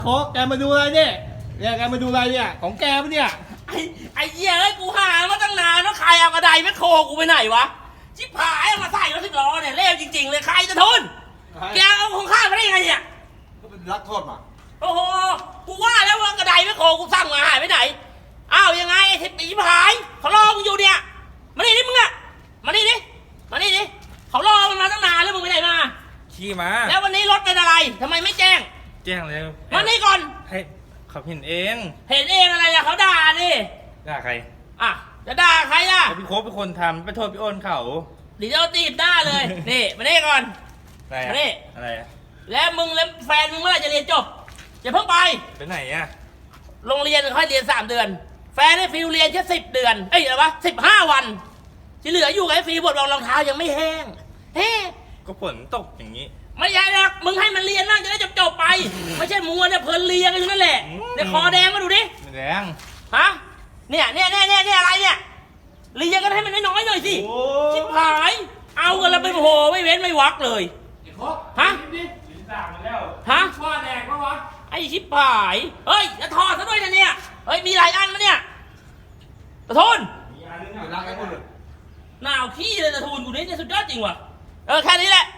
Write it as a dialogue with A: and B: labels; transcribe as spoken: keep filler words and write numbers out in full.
A: โคกแกมาดูอะไรเนี่ยเนี่ยแกมาดูอะไรเนี่ยของแกปะเนี่ย
B: ไอ้ไอ้เหี้ยเอ้ยกูหามาตั้งนานแล้วใครเอากระไดแมคโครกูไปไหนวะชิบหายเอามาใส่รถสิบล้อเนี่ยเลวจริงๆเลยใครจะทนแกเอาของข้ามาได้ยังไงเนี่ย
A: ก็เป็นรักโทษมา
B: โอ้โหกูว่าแล้วว่ากระไดแมคโครกูสั่งมาหายไปไหนอ้าวยังไงไอ้ทิพย์ชิบหายเขารอมึงอยู่เนี่ยมานี่ดิมึงอะมานี่ดิมานี่ดิเขารอมันมาตั้งนานแล้วมึงไปไหนมา
C: ขี่มา
B: แล้ววันนี้รถเป็นอะไรทำไมไม่แจ้ง
C: แจ้งเลย
B: มานี่ก่อน
C: ให้เขาเห็นเอง
B: เห็นเองอะไรอะเขาด่าดิ
C: ด่าใคร
B: อ่ะจะด่าใครล่ะ
C: พี่โค้ชเป็นคนทำไปโทษพี่โอนเขา
B: เดี๋ยวตีบหน้าเลย นี่มานี่ก่อน
C: อะไร
B: มานี่
C: อะไร
B: แล้วมึงแล้วแฟนมึงเมื่อไหร่จะเรียนจบอย่าเพิ่งไป
C: ไปไหนอะ
B: โรงเรียนค่อยเรียนสามเดือนแฟนให้ฟิวเรียนแค่สิบเดือนเอ้ยอะไรวะสิบห้าวันที่เหลืออยู่กับไอ้ฟิวบทรองรองเท้ายังไม่แห้งเฮ้
C: ก็ฝนตกอย่างนี้
B: ไม่ใช่หรอกมึงให้มันเรียนบ้างจะได้จบจบไปไม่ใช่มัวเนี่ยเพลินเรียนกันอยู่นั่นแหละเนี่ยคอแดงมาดูดิ
C: แดง
B: ฮะเนี่ยเนี่ยเนี่ยเนี่ยเนี่ยอะไรเนี่ยเรียนกันให้มันน้อยๆหน่อยสิชิบหายเอากันแล้วไปโหไม่เว้นไม่วักเลยฮะฮะว่าแดงปะวะไอ้ชิบหายเฮ้ยจะถอดซะด้วยนะเนี่ยเฮ้ยมีหลายอันมั้ยเนี่ยตะทุน
A: มีอันนึงอยู่รักไอ้คนเลย
B: หนาวขี้เลยตะทุนกูนี่เนี่ยสุดยอดจริงว่ะเออแค่นี้แหละ